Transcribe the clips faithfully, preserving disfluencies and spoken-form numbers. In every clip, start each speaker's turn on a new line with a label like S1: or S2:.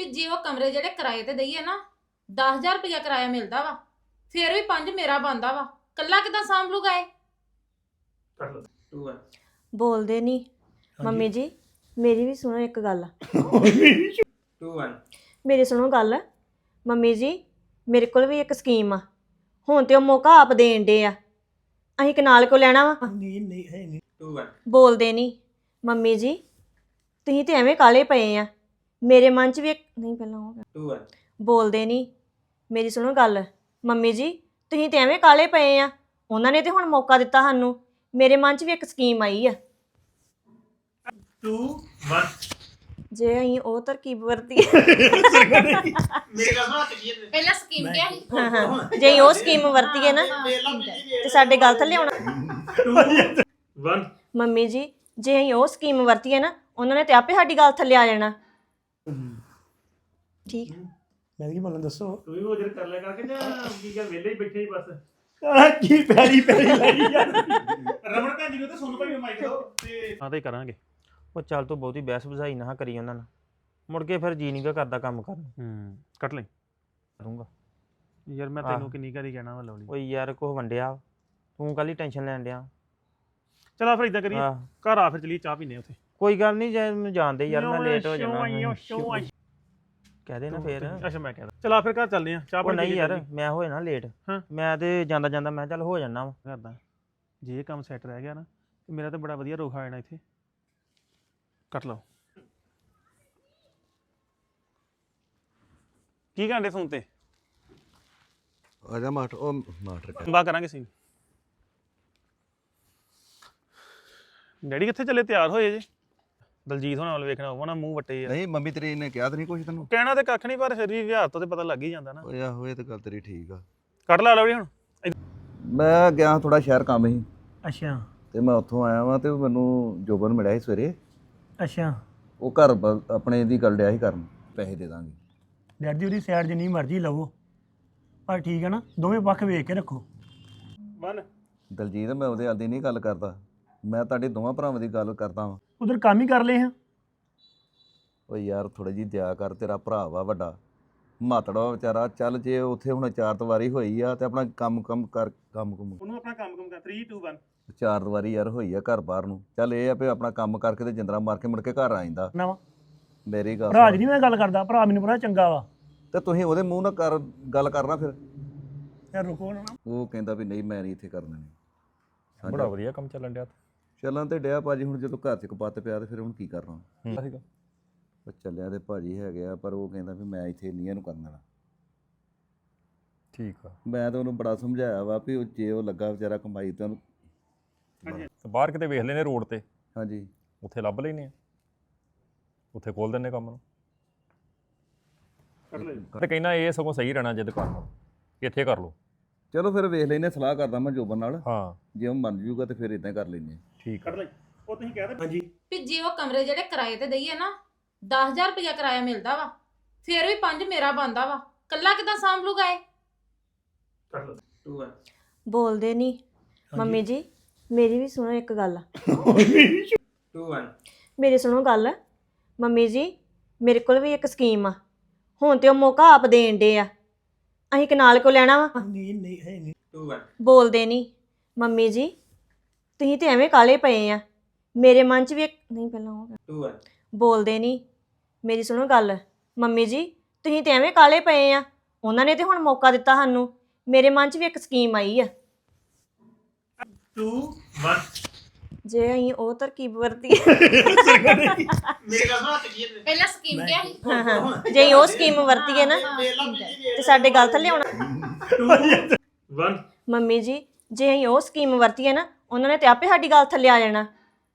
S1: ਜੇ ਉਹ ਕਮਰੇ ਜਿਹੜੇ ਕਿਰਾਏ ਤੇ ਦਈਏ ਨਾ ਦਸ ਹਜ਼ਾਰ ਰੁਪਇਆ ਕਿਰਾਇਆ ਮਿਲਦਾ ਵਾ ਫਿਰ ਵੀ ਪੰਜ ਮੇਰਾ ਬੰਦਾ ਵਾ ਕੱਲਾ ਕਿਦਾਂ ਸਾਂਭ ਲੂਗਾ ਇਹ
S2: ਕਰ ਲਓ ਟੂ ਵਨ
S3: ਬੋਲਦੇ ਨਹੀਂ ਮੰਮੀ ਜੀ ਮੇਰੀ ਵੀ ਸੁਣੋ ਇੱਕ ਗੱਲ
S2: ਟੂ ਵਨ
S3: ਮੇਰੀ ਸੁਣੋ ਗੱਲ ਮੰਮੀ ਜੀ ਮੇਰੇ ਕੋਲ ਵੀ ਇੱਕ ਸਕੀਮ ਆ ਹੁਣ ਤੇ ਉਹ ਮੌਕਾ ਆਪ ਦੇਣ ਦੇ ਆ ਅਸੀਂ ਕਨਾਲ ਕੋ ਲੈਣਾ ਵਾ
S4: ਨਹੀਂ ਨਹੀਂ ਹੈ ਨਹੀਂ
S2: ਟੂ ਵਨ
S3: ਬੋਲਦੇ ਨਹੀਂ ਮੰਮੀ ਜੀ ਤੁਸੀਂ ਤੇ ਐਵੇਂ ਕਾਲੇ ਪਏ ਆ ਮੇਰੇ ਮਨ 'ਚ ਵੀ ਇੱਕ ਨਹੀਂ ਪਹਿਲਾਂ ਹੋ ਗਿਆ
S2: ਟੂ ਵਨ
S3: ਬੋਲਦੇ ਨਹੀਂ ਮੇਰੀ ਸੁਣੋ ਗੱਲ ਮੰਮੀ ਜੀ ਤੁਸੀਂ ਤੇ ਐਵੇਂ ਕਾਲੇ ਪਏ ਆ ਉਹਨਾਂ ਨੇ ਤੇ ਹੁਣ ਮੌਕਾ ਦਿੱਤਾ ਸਾਨੂੰ ਮੇਰੇ ਮਨ 'ਚ ਵੀ ਇੱਕ ਸਕੀਮ ਆਈ ਆ
S4: ਟੂ ਵਨ
S3: ਜੇ ਅਸੀਂ ਉਹ ਤਰਕੀਬ ਵਰਤੀ
S2: ਮੇਰੇ ਗੱਲ ਸੁਣਾ ਚੱਲੀਏ
S1: ਪਹਿਲਾਂ ਸਕੀਮ ਕਿਹਾ ਸੀ
S3: ਹਾਂ ਹਾਂ ਜੇ ਅਸੀਂ ਉਹ ਸਕੀਮ ਵਰਤੀਏ ਨਾ ਤੇ ਸਾਡੇ ਗੱਲ ਥੱਲੇ ਆਉਣਾ
S4: ਵਨ
S3: ਮੰਮੀ ਜੀ ਜੇ ਅਸੀਂ ਉਹ ਸਕੀਮ ਵਰਤੀਏ ਨਾ ਉਹਨਾਂ ਨੇ ਤੇ ਆਪੇ ਸਾਡੀ ਗੱਲ ਥੱਲੇ ਆ ਜਾਣਾ ਠੀਕ
S4: ਮੈਂ ਕੀ ਬੋਲਾਂ ਦੱਸੋ
S5: ਤੂੰ ਵੀ ਉਹ ਜਰ ਕਰ ਲਿਆ ਕਰਕੇ ਜਾਂ ਕੀ ਗੱਲ ਵਿਹਲੇ ਹੀ ਬੈਠੇ ਹੀ ਬਸ
S4: ਆ ਕੀ ਪੈਰੀ ਪੈਰੀ ਲੱਗੀ ਯਾਰ
S5: ਰਮਣ ਭੈਣ ਜੀ ਨੂੰ ਤੇ ਸੁਣ ਭਾਈ ਨੂੰ ਮਾਈਕ ਦਿਓ ਤੇ
S6: ਹਾਂ ਤੇ ਕਰਾਂਗੇ ਉਹ ਚੱਲ ਤੂੰ ਬਹੁਤੀ ਬਹਿਸ ਬੁਝਾਈ ਨਾ ਕਰੀ ਉਹਨਾਂ ਨਾਲ ਮੁੜ ਕੇ ਫਿਰ ਜੀ ਨਹੀਂ ਗਾ ਕਰਦਾ ਕੰਮ ਕਰਨ
S5: ਹੂੰ ਕੱਟ ਲੈ
S6: ਕਰੂੰਗਾ
S5: ਯਾਰ ਮੈਂ ਤੈਨੂੰ ਕਿੰਨੀ ਵਾਰੀ ਕਹਿਣਾ ਵਾ ਲਵਲੀ
S6: ਓ ਯਾਰ ਕੁਛ ਵੰਡਿਆ ਤੂੰ ਕਾਹਲੀ ਟੈਨਸ਼ਨ ਲੈਣ ਡਿਆ
S5: ਚਲ ਆ ਫਿਰ ਇਦਾਂ ਕਰੀਏ
S6: ਆਹ,
S5: ਘਰ ਆ ਫਿਰ ਚਲੀਏ ਚਾਹ ਪੀਨੇ ਉੱਥੇ
S6: ਕੋਈ ਗੱਲ ਨਹੀਂ ਜੇ ਮੈਨੂੰ ਜਾਣਦੇ ਯਾਰ ਮੈਂ ਲੇਟ ਹੋ ਜਾਣਾ ਕਹਿ ਦੇ ਨਾ ਫੇਰ
S5: ਅੱਛਾ ਮੈਂ ਕਹਿੰਦਾ ਚਲ ਆ ਫਿਰ ਘਰ ਚੱਲਦੇ ਆ ਚਾਹ
S6: ਉਹ
S5: ਪਾਣੀ
S6: ਨਹੀਂ ਯਾਰ ਮੈਂ ਹੋ ਜਾਣਾ ਲੇਟ
S5: ਹਾਂ।
S6: ਮੈਂ ਤੇ ਜਾਂਦਾ ਜਾਂਦਾ ਮੈਂ ਚੱਲ ਹੋ ਜਾਣਾ ਵਾ
S5: ਕਰਦਾ ਜੇ ਇਹ ਕੰਮ ਸੈੱਟ ਰਹਿ ਗਿਆ ਨਾ ਤੇ ਮੇਰਾ ਤਾਂ ਬੜਾ ਵਧੀਆ ਰੋਖ ਆ ਜਾਣਾ ਇੱਥੇ ਕੱਟ ਲਓ ਕੀ ਕਹਿੰਦੇ ਫੋਨ ਤੇ
S7: ਆ ਜਾ ਮਾਟਰ ਉਹ ਮਾਟਰ ਕਰ
S5: ਬਾ ਕਰਾਂਗੇ ਸੀ ਡੈਡੀ ਕਿੱਥੇ ਚੱਲੇ ਤਿਆਰ ਹੋਏ ਜੇ ਦਲਜੀਤ ਹੋਣਾ ਵੱਲ ਵੇਖਣਾ ਹੋਵਾ ਨਾ ਮੂੰਹ ਵੱਟੇ ਆ
S7: ਨਹੀਂ ਮੰਮੀ ਤੇਰੀ ਨੇ ਕਿਹਾ ਤਾਂ ਨਹੀਂ ਕੁਛ ਤੈਨੂੰ
S5: ਕਹਿਣਾ ਤੇ ਕੱਖ ਨਹੀਂ ਪਰ ਫਿਰ ਵੀ ਵਿਹਾਰ ਤੋਂ ਤੇ ਪਤਾ ਲੱਗ ਹੀ ਜਾਂਦਾ ਨਾ
S7: ਓਏ ਆਹੋ ਇਹ ਤਾਂ ਗੱਲ ਤੇਰੀ ਠੀਕ ਆ
S5: ਕੱਢ ਲਾ ਲਵੜੀ ਹੁਣ
S7: ਮੈਂ ਗਿਆ ਥੋੜਾ ਸ਼ਹਿਰ ਕੰਮ ਸੀ
S4: ਅੱਛਾ
S7: ਤੇ ਮੈਂ ਉੱਥੋਂ ਆਇਆ ਵਾਂ ਤੇ ਮੈਨੂੰ ਜੋਬਨ ਮਿਲਿਆ ਸੀ ਸਵੇਰੇ
S4: ਅੱਛਾ
S7: ਉਹ ਘਰ ਬ- ਆਪਣੇ ਦੀ ਗੱਲ ਡਿਆ ਸੀ ਕਰਨ ਪੈਸੇ ਦੇ ਦਾਂਗੇ
S4: ਡੈਡੀ ਉਹਦੀ ਸਾਈਡ ਜਿੰਨੀ ਮਰਜ਼ੀ ਲਵੋ ਪਰ ਠੀਕ ਹੈ ਨਾ ਦੋਵੇਂ ਪੱਖ ਵੇਖ ਕੇ ਰੱਖੋ
S5: ਵਨ
S7: ਦਲਜੀਤ ਮੈਂ ਉਹਦੇ ਆਦੀ ਨਹੀਂ ਗੱਲ ਕਰਦਾ ਮੈਂ ਤੁਹਾਡੇ ਦੋਵਾਂ ਭਰਾਵਾਂ ਦੀ ਗੱਲ ਕਰਦਾ ਵਾਂ
S4: ਉਧਰ ਕੰਮ ਹੀ ਕਰ ਲਏ ਹਾਂ
S7: ਓਏ ਯਾਰ ਥੋੜੀ ਜੀ ਦਇਆ ਕਰ ਤੇਰਾ ਭਰਾ ਵਾ ਵੱਡਾ ਮਾਤੜਾ ਵਾ ਵਿਚਾਰਾ ਚੱਲ ਜੇ ਉੱਥੇ ਹੁਣ ਚਾਰ ਦੀਵਾਰੀ ਹੋਈ ਆ ਤੇ ਆਪਣਾ ਕੰਮ ਕੰਮ ਕਰ ਕੰਮ ਕੁਮ
S5: ਉਹਨੂੰ ਆਪਣਾ ਕੰਮ ਕੰਮ ਕਰ ਥ੍ਰੀ ਟੂ ਵਨ
S7: ਚਾਰ ਦੀਵਾਰੀ ਯਾਰ ਹੋਈ ਆ ਘਰ ਬਾਹਰ ਨੂੰ ਚੱਲ ਇਹ ਆ ਵੀ ਆਪਣਾ ਕੰਮ ਕਰਕੇ ਤੇ ਜਿੰਦਰਾ ਮਾਰ ਕੇ ਮੁੜ ਕੇ ਘਰ ਆ ਜਾਂਦਾ
S4: ਨਾ ਵਾ
S7: ਮੇਰੀ ਗੱਲ
S4: ਭਰਾ
S7: ਸੁਣ।
S4: ਜੀ ਨਹੀਂ ਮੈਂ ਗੱਲ ਕਰਦਾ ਭਰਾ ਮੈਨੂੰ ਪਤਾ ਚੰਗਾ ਵਾ
S7: ਤੇ ਤੁਸੀਂ ਉਹਦੇ ਮੂੰਹ ਨਾਲ ਕਰ ਗੱਲ ਕਰਨਾ ਫਿਰ
S4: ਯਾਰ ਰੁਕੋ ਨਾ
S7: ਉਹ ਕਹਿੰਦਾ ਵੀ ਨਹੀਂ ਮੈਂ ਨਹੀਂ ਇੱਥੇ ਕਰਨਾ ਨਹੀਂ
S6: ਬੜਾ ਵਧੀਆ ਕੰਮ ਚੱਲਣ ਡਿਆ
S7: ਚੱਲਾਂ ਤੇ ਡਿਆ ਭਾਜੀ ਹੁਣ ਜਦੋਂ ਘਰ 'ਚ ਕਪੱਤ ਪਿਆ ਤੇ ਫਿਰ ਹੁਣ ਕੀ ਕਰਨਾ ਉਹ ਚੱਲਿਆ ਤੇ ਭਾਜੀ ਹੈਗੇ ਆ ਪਰ ਉਹ ਕਹਿੰਦਾ ਵੀ ਮੈਂ ਇੱਥੇ ਨਹੀਂ ਇਹਨੂੰ ਕਰਨ ਦੇਣਾ
S8: ਠੀਕ ਆ
S7: ਮੈਂ ਤਾਂ ਉਹਨੂੰ ਬੜਾ ਸਮਝਾਇਆ ਵਾ ਵੀ ਉਹ ਜੇ ਉਹ ਲੱਗਾ ਵਿਚਾਰਾ ਕਮਾਈ ਤਾਂ ਉਹਨੂੰ
S8: ਤੇ ਬਾਹਰ ਕਿਤੇ ਵੇਖ ਲੈਨੇ ਰੋਡ ਤੇ
S7: ਹਾਂਜੀ
S8: ਉੱਥੇ ਲੱਭ ਲੈਨੇ ਆ ਉੱਥੇ ਖੋਲ ਦਿੰਨੇ ਕੰਮ ਨੂੰ
S5: ਕੱਟ ਲੈ
S8: ਤੇ ਕਹਿੰਦਾ ਇਹ ਸਗੋਂ ਸਹੀ ਰਹਿਣਾ ਜੇ ਦੁਕਾਨ ਨੂੰ ਇੱਥੇ ਕਰ ਲਓ
S7: ਚਲੋ ਫਿਰ ਵੇਖ ਲੈਨੇ ਸਲਾਹ ਕਰਦਾ ਮੈਂ ਜੋਬਨ ਨਾਲ
S8: ਹਾਂ
S7: ਜੇ ਉਹ ਮੰਨ ਜੂਗਾ ਤੇ ਫਿਰ ਇਦਾਂ ਕਰ ਲੈਨੇ
S8: ਠੀਕ ਆ
S5: ਕੱਟ ਲੈ ਉਹ ਤੁਸੀਂ ਕਹਿ ਦੇ
S4: ਹਾਂਜੀ
S1: ਵੀ ਜੇ ਉਹ ਕਮਰੇ ਜਿਹੜੇ ਕਿਰਾਏ ਤੇ ਦਈਏ ਨਾ ਦਸ ਹਜ਼ਾਰ ਰੁਪਇਆ ਕਿਰਾਇਆ ਮਿਲਦਾ ਵਾ ਫਿਰ ਵੀ ਪੰਜ ਮੇਰਾ ਬੰਦਾ ਵਾ ਕੱਲਾ ਕਿਦਾਂ ਸਾਂਭ ਲੂਗਾ ਇਹ
S5: ਕੱਟ ਲਓ
S2: ਟੂ ਵਨ
S3: ਬੋਲਦੇ ਨਹੀਂ ਮੰਮੀ ਜੀ ਮੇਰੀ ਵੀ ਸੁਣੋ ਇੱਕ ਗੱਲ
S2: ਟੂ ਵਨ
S3: ਮੇਰੀ ਸੁਣੋ ਗੱਲ ਮੰਮੀ ਜੀ ਮੇਰੇ ਕੋਲ ਵੀ ਇੱਕ ਸਕੀਮ ਆ ਹੁਣ ਤੇ ਉਹ ਮੌਕਾ ਆਪ ਦੇਣ ਦੇ ਆ ਅਸੀਂ ਕਨਾਲ ਕੋ ਲੈਣਾ ਵਾ
S4: ਨਹੀਂ ਨਹੀਂ ਹੈ ਨਹੀਂ
S2: ਟੂ ਵਨ
S3: ਬੋਲਦੇ ਨਹੀਂ ਮੰਮੀ ਜੀ ਤੁਸੀਂ ਤੇ ਐਵੇਂ ਕਾਲੇ ਪਏ ਆ ਮੇਰੇ ਮਨ 'ਚ ਵੀ ਇੱਕ ਨਹੀਂ ਪਹਿਲਾਂ ਹੋ ਗਿਆ
S2: ਟੂ ਵਨ
S3: ਬੋਲਦੇ ਨਹੀਂ ਮੇਰੀ ਸੁਣੋ ਗੱਲ ਮੰਮੀ ਜੀ ਤੁਸੀਂ ਤੇ ਐਵੇਂ ਕਾਲੇ ਪਏ ਆ ਉਹਨਾਂ ਨੇ ਤੇ ਹੁਣ ਮੌਕਾ ਦਿੱਤਾ ਸਾਨੂੰ ਮੇਰੇ ਮਨ 'ਚ ਵੀ ਇੱਕ ਸਕੀਮ ਆਈ ਆ
S5: ਟੂ ਵਨ
S3: ਜੇ ਅਸੀਂ ਉਹ ਤਰਕੀਬ ਵਰਤੀ
S2: ਮੇਰੇ ਗੱਲ ਸੁਣਾ ਚੱਲੀਏ
S1: ਪਹਿਲਾਂ ਸਕੀਮ ਕਿਹਾ ਸੀ
S3: ਹਾਂ ਹਾਂ ਜੇ ਅਸੀਂ ਉਹ ਸਕੀਮ ਵਰਤੀਏ ਨਾ ਤੇ ਸਾਡੇ ਗੱਲ ਥੱਲੇ ਆਉਣਾ
S5: ਵਨ
S3: ਮੰਮੀ ਜੀ ਜੇ ਅਸੀਂ ਉਹ ਸਕੀਮ ਵਰਤੀਏ ਨਾ ਉਹਨਾਂ ਨੇ ਤੇ ਆਪੇ ਸਾਡੀ ਗੱਲ ਥੱਲੇ ਆ ਜਾਣਾ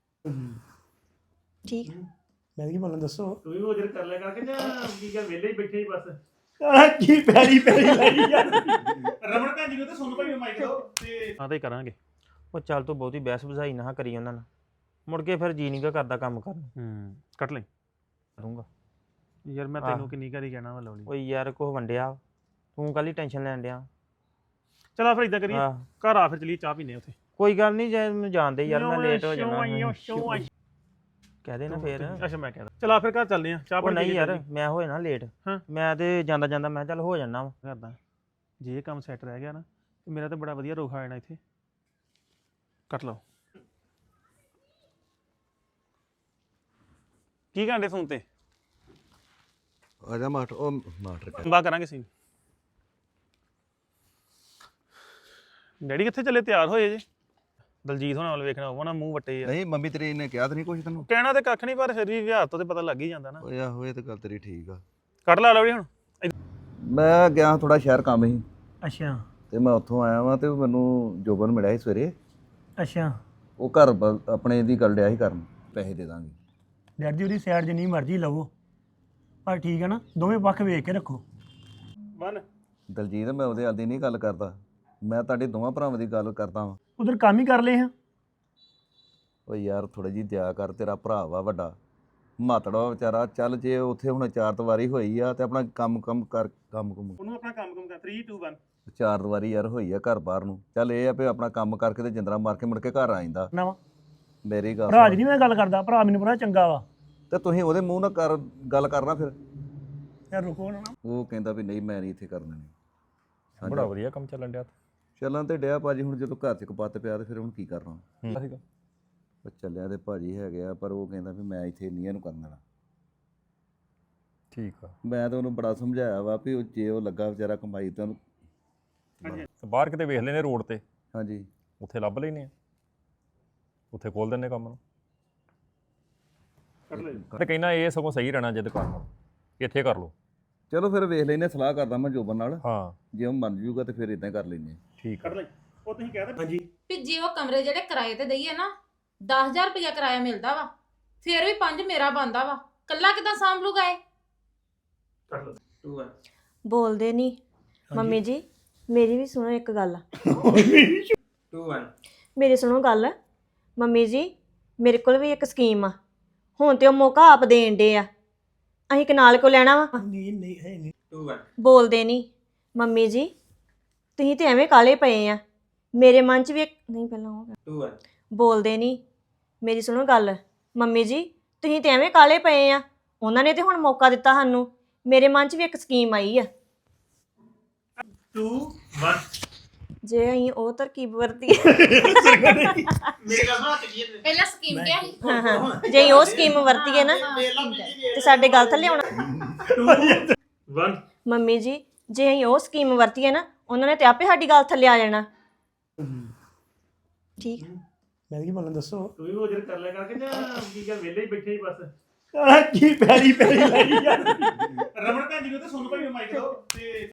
S3: ਠੀਕ
S4: ਮੈਂ ਕੀ ਬੋਲਾਂ ਦੱਸੋ
S5: ਤੂੰ ਵੀ ਉਹ ਜਰ ਕਰ ਲਿਆ ਕਰਕੇ ਜਾਂ ਕੀ ਗੱਲ ਵਿਹਲੇ ਹੀ ਬੈਠੇ ਹੀ ਬਸ
S4: ਆ ਕੀ ਪੈਰੀ ਪੈਰੀ ਲੱਗੀ ਯਾਰ
S5: ਰਮਣ ਭੈਣ ਜੀ ਨੂੰ ਤੇ ਸੁਣ ਭਾਈ ਨੂੰ ਮਾਈਕ ਦਿਓ ਤੇ ਹਾਂ ਤੇ ਕਰਾਂਗੇ
S6: ਉਹ ਚੱਲ ਤੂੰ ਬਹੁਤੀ ਬਹਿਸ ਬੁਝਾਈ ਨਾ ਕਰੀ ਉਹਨਾਂ ਨਾਲ ਮੁੜ ਕੇ ਫਿਰ ਜੀ ਨਹੀਂ ਗਾ ਕਰਦਾ ਕੰਮ ਕਰਨ
S5: ਹੂੰ ਕੱਟ ਲੈ
S6: ਕਰੂੰਗਾ
S5: ਯਾਰ ਮੈਂ
S6: ਆਹ।
S5: ਤੈਨੂੰ ਕਿੰਨੀ ਵਾਰੀ ਕਹਿਣਾ ਵਾ ਲਵਲੀ
S6: ਓ ਯਾਰ ਕੁਛ ਵੰਡਿਆ ਤੂੰ ਕਾਹਲੀ ਟੈਨਸ਼ਨ ਲੈਣ ਡਿਆ
S5: ਚਲ ਆ ਫਿਰ ਇਦਾਂ ਕਰੀਏ
S6: ਆਹ,
S5: ਘਰ ਆ ਫਿਰ ਚਲੀਏ ਚਾਹ ਪੀਨੇ ਉੱਥੇ
S6: ਕੋਈ ਗੱਲ ਨਹੀਂ ਜੇ ਮੈਨੂੰ ਜਾਣਦੇ ਯਾਰ ਮੈਂ ਲੇਟ ਹੋ ਜਾਣਾ ਕਹਿ ਦੇ ਨਾ ਫੇਰ
S5: ਅੱਛਾ ਮੈਂ ਕਹਿੰਦਾ ਚਲਾ ਫਿਰ ਘਰ ਚੱਲਦੇ ਆ ਚਾਹ
S6: ਉਹ
S5: ਪਾਣੀ
S6: ਨਹੀਂ
S5: ਪੀ ਕੇ
S6: ਯਾਰ
S5: ਚੱਲੀਏ।
S6: ਮੈਂ ਹੋਏ ਨਾ ਲੇਟ
S5: ਹਾਂ।
S6: ਮੈਂ ਤੇ ਜਾਂਦਾ ਜਾਂਦਾ ਮੈਂ ਚੱਲ ਹੋ ਜਾਣਾ ਵਾ
S5: ਕਰਦਾ ਜੇ ਇਹ ਕੰਮ ਸੈੱਟ ਰਹਿ ਗਿਆ ਨਾ ਤੇ ਮੇਰਾ ਤਾਂ ਬੜਾ ਵਧੀਆ ਰੋਖ ਆ ਜਾਣਾ ਇੱਥੇ ਕੱਟ ਲਓ ਕੀ ਘੰਟੇ ਫੋਨ ਤੇ
S7: ਆ ਜਾ ਮਾਸਟਰ ਉਹ ਮਾਸਟਰ ਕਹਿ-
S5: ਬਾ ਕਰਾਂਗੇ ਸੀ ਡੈਡੀ ਕਿੱਥੇ ਚੱਲੇ ਤਿਆਰ ਹੋਏ ਜੇ ਦਲਜੀਤ ਹੋਣਾ ਵੱਲ ਵੇਖਣਾ ਹੋਣਾ ਮੂੰਹ ਵੱਟੇ ਆ
S7: ਨਹੀਂ ਮੰਮੀ ਤੇਰੀ ਨੇ ਕਿਹਾ ਤਾਂ ਨਹੀਂ ਕੁਛ ਤੈਨੂੰ
S5: ਕਹਿਣਾ ਤੇ ਕੱਖ ਨਹੀਂ ਪਰ ਫਿਰ ਵੀ ਵਿਹਾਰ ਤੋਂ ਤੇ ਪਤਾ ਲੱਗ ਹੀ ਜਾਂਦਾ ਨਾ
S7: ਓਏ ਆਹੋ ਇਹ ਤਾਂ ਗੱਲ ਤੇਰੀ ਠੀਕ ਆ
S5: ਕੱਢ ਲਾ ਲਵੜੀ ਹੁਣ
S7: ਮੈਂ ਗਿਆ ਥੋੜਾ ਸ਼ਹਿਰ ਕੰਮ ਸੀ
S4: ਅੱਛਾ
S7: ਤੇ ਮੈਂ ਉੱਥੋਂ ਆਇਆ ਵਾਂ ਤੇ ਮੈਨੂੰ ਜੋਬਨ ਮਿਲਿਆ ਸੀ ਸਵੇਰੇ
S4: ਅੱਛਾ
S7: ਉਹ ਘਰ ਬ- ਆਪਣੇ ਦੀ ਗੱਲ ਡਿਆ ਸੀ ਕਰਨ ਪੈਸੇ ਦੇ ਦਾਂਗੇ
S4: ਡੈਡ ਜੀ ਉਹਦੀ ਸਾਈਡ ਜਿੰਨੀ ਮਰਜ਼ੀ ਲਵੋ ਪਰ ਠੀਕ ਹੈ ਨਾ ਦੋਵੇਂ ਪੱਖ ਵੇਖ ਕੇ ਰੱਖੋ
S5: ਵਨ
S7: ਦਲਜੀਤ ਮੈਂ ਉਹਦੇ ਆਦੀ ਨਹੀਂ ਗੱਲ ਕਰਦਾ ਮੈਂ ਤੁਹਾਡੇ ਦੋਵਾਂ ਭਰਾਵਾਂ ਦੀ ਗੱਲ ਕਰਦਾ ਵਾਂ
S4: ਉਧਰ ਕੰਮ ਹੀ ਕਰ ਲਏ ਹਾਂ
S7: ਓ ਯਾਰ ਥੋੜੀ ਜੀ ਦਇਆ ਕਰ ਤੇਰਾ ਭਰਾ ਵਾ ਵੱਡਾ ਮਾਤੜਾ ਵਿਚਾਰਾ ਚੱਲ ਜੇ ਉੱਥੇ ਹੁਣ ਚਾਰ ਦੀਵਾਰੀ ਹੋਈ ਆ ਤੇ ਆਪਣਾ ਕੰਮ ਕੰਮ ਕਰ ਕੰਮ ਕੁਮ
S5: ਉਹਨੂੰ ਆਪਣਾ ਕੰਮ ਕੰਮ ਕਰ three two one
S7: ਚਾਰ ਦੀਵਾਰੀ ਯਾਰ ਹੋਈ ਆ ਘਰ ਬਾਹਰ ਨੂੰ ਚੱਲ ਇਹ ਆ ਵੀ ਆਪਣਾ ਕੰਮ ਕਰਕੇ ਤੇ ਜਿੰਦਰਾ ਮਾਰ ਕੇ ਮੁੜ ਕੇ ਘਰ ਆ ਜਾਂਦਾ
S4: ਨਾ ਵਾ
S7: ਮੇਰੀ ਗੱਲ
S4: ਭਰਾ
S7: ਸੁਣ।
S4: ਜੀ ਨਹੀਂ ਮੈਂ ਗੱਲ ਕਰਦਾ ਭਰਾ ਮੈਨੂੰ ਪਤਾ ਚੰਗਾ ਵਾ
S7: ਤੇ ਤੁਸੀਂ ਉਹਦੇ ਮੂੰਹ ਨਾਲ ਕਰ ਗੱਲ ਕਰਨਾ ਫਿਰ
S4: ਯਾਰ ਰੁਕੋ ਨਾ
S7: ਉਹ ਕਹਿੰਦਾ ਵੀ ਨਹੀਂ ਮੈਂ ਨਹੀਂ ਇੱਥੇ ਕਰਨਾ ਨਹੀਂ
S8: ਬੜਾ ਵਧੀਆ ਕੰਮ ਚੱਲਣ ਡਿਆ
S7: ਚੱਲਾਂ ਤੇ ਡਿਆ ਭਾਜੀ ਹੁਣ ਜਦੋਂ ਘਰ 'ਚ ਕਪੱਤ ਪਿਆ ਤੇ ਫਿਰ ਹੁਣ ਕੀ ਕਰਨਾ
S8: ਹੂੰ ਸੀਗਾ
S7: ਉਹ ਚੱਲਿਆ ਤੇ ਭਾਜੀ ਹੈਗੇ ਆ ਪਰ ਉਹ ਕਹਿੰਦਾ ਵੀ ਮੈਂ ਇੱਥੇ ਨਹੀਂ ਇਹਨੂੰ ਕਰਨ ਦੇਣਾ
S8: ਠੀਕ ਆ
S7: ਮੈਂ ਤਾਂ ਉਹਨੂੰ ਬੜਾ ਸਮਝਾਇਆ ਵਾ ਵੀ ਉਹ ਜੇ ਉਹ ਲੱਗਾ ਵਿਚਾਰਾ ਕਮਾਈ ਤਾਂ ਉਹਨੂੰ
S8: ਤੇ ਬਾਹਰ ਕਿਤੇ ਵੇਖ ਲੈਨੇ ਰੋਡ ਤੇ
S7: ਹਾਂਜੀ
S8: ਉੱਥੇ ਲੱਭ ਲੈਨੇ ਆ ਉੱਥੇ ਖੋਲ ਦਿੰਨੇ ਕੰਮ ਨੂੰ
S5: ਕੱਢ ਲੈ
S8: ਤੇ ਕਹਿੰਦਾ ਇਹ ਸਗੋਂ ਸਹੀ ਰਹਿਣਾ ਜੇ ਦੁਕਾਨ ਨਾਲ ਇੱਥੇ ਕਰ ਲਓ
S7: ਚਲੋ ਫਿਰ ਵੇਖ ਲੈਨੇ ਸਲਾਹ ਕਰਦਾ ਮੈਂ ਜੋਬਨ ਨਾਲ
S8: ਹਾਂ
S7: ਜੇ ਉਹ ਮੰਨ ਜੂਗਾ ਤੇ ਫਿਰ ਇਦਾਂ ਕਰ ਲੈਨੇ
S8: ਠੀਕ ਆ
S5: ਕੱਢ ਲੈ ਉਹ ਤੁਸੀਂ ਕਹਿ ਦੇ ਹਾਂਜੀ
S1: ਵੀ ਜੇ ਉਹ ਕਮਰੇ ਜਿਹੜੇ ਕਿਰਾਏ ਤੇ ਦਈਏ ਨਾ ਦਸ ਹਜ਼ਾਰ ਰੁਪਇਆ ਕਿਰਾਇਆ ਮਿਲਦਾ ਵਾ ਫਿਰ ਵੀ ਪੰਜ ਮੇਰਾ ਬਣਦਾ ਵਾ ਕੱਲਾ ਕਿਦਾਂ ਸਾਂਭ ਲੂਗਾ ਇਹ
S5: ਕੱਢ ਲੈ
S2: two one
S3: ਬੋਲਦੇ ਨਹੀਂ ਮੰਮੀ ਜੀ ਮੇਰੀ ਵੀ ਸੁਣੋ ਇੱਕ ਗੱਲ
S2: two one
S3: ਮੇਰੀ ਸੁਣੋ ਗੱਲ ਮੰਮੀ ਜੀ ਮੇਰੇ ਕੋਲ ਵੀ ਇੱਕ ਸਕੀਮ ਆ ਹੁਣ ਤੇ ਉਹ ਮੌਕਾ ਆਪ ਦੇਣ ਡੇ ਆ ਅਸੀਂ ਕਨਾਲ ਕੋ ਲੈਣਾ ਵਾ
S4: ਨਹੀਂ ਨਹੀਂ ਹੈ ਨਹੀਂ
S2: two one
S3: ਬੋਲਦੇ ਨਹੀਂ ਮੰਮੀ ਜੀ ਤੁਸੀਂ ਤੇ ਐਵੇਂ ਕਾਲੇ ਪਏ ਆ ਮੇਰੇ ਮਨ 'ਚ ਵੀ ਇੱਕ ਨਹੀਂ ਪਹਿਲਾਂ ਉਹ
S2: two one
S3: ਬੋਲਦੇ ਨਹੀਂ ਮੇਰੀ ਸੁਣੋ ਗੱਲ ਮੰਮੀ ਜੀ ਤੁਸੀਂ ਤੇ ਐਵੇਂ ਕਾਲੇ ਪਏ ਆ ਉਹਨਾਂ ਨੇ ਤੇ ਹੁਣ ਮੌਕਾ ਦਿੱਤਾ ਸਾਨੂੰ ਮੇਰੇ ਮਨ 'ਚ ਵੀ ਇੱਕ ਸਕੀਮ ਆਈ ਆ
S5: two one
S3: ਜੇ ਅਸੀਂ ਉਹ ਤਰਕੀਬ ਵਰਤੀ
S2: ਮੇਰੇ ਕੋਲ ਨਾ ਚੱਲੀਏ ਤੇ
S1: ਪਹਿਲਾਂ ਸਕੀਮ ਕਿਹਾ ਸੀ
S3: ਹਾਂ ਹਾਂ ਜੇ ਅਸੀਂ ਉਹ ਸਕੀਮ ਵਰਤੀਏ ਨਾ ਤੇ ਸਾਡੇ ਗੱਲ ਥੱਲੇ ਆਉਣਾ
S5: one
S3: ਮੰਮੀ ਜੀ ਜੇ ਅਸੀਂ ਉਹ ਸਕੀਮ ਵਰਤੀਏ ਨਾ ਉਹਨਾਂ ਨੇ ਤੇ ਆਪੇ ਸਾਡੀ ਗੱਲ ਥੱਲੇ ਆ ਜਾਣਾ ਠੀਕ
S4: ਮੈਂ ਕੀ ਬੋਲਾਂ ਦੱਸੋ
S5: ਤੂੰ ਵੀ ਉਹ ਜਰ ਕਰ ਲਿਆ ਕਰਕੇ ਜਾਂ ਕੀ ਗੱਲ ਵਿਹਲੇ ਹੀ ਬੈਠੇ ਹੀ ਬਸ
S4: ਆਹ ਕੀ ਪੈਰੀ ਪੈਰੀ ਲਾਈ ਯਾਰ
S5: ਰਮਣ ਭੈਣ ਜੀ ਨੂੰ ਤਾਂ ਸੁਣ ਭਾਈ ਮਾਈਕ ਦੋ ਤੇ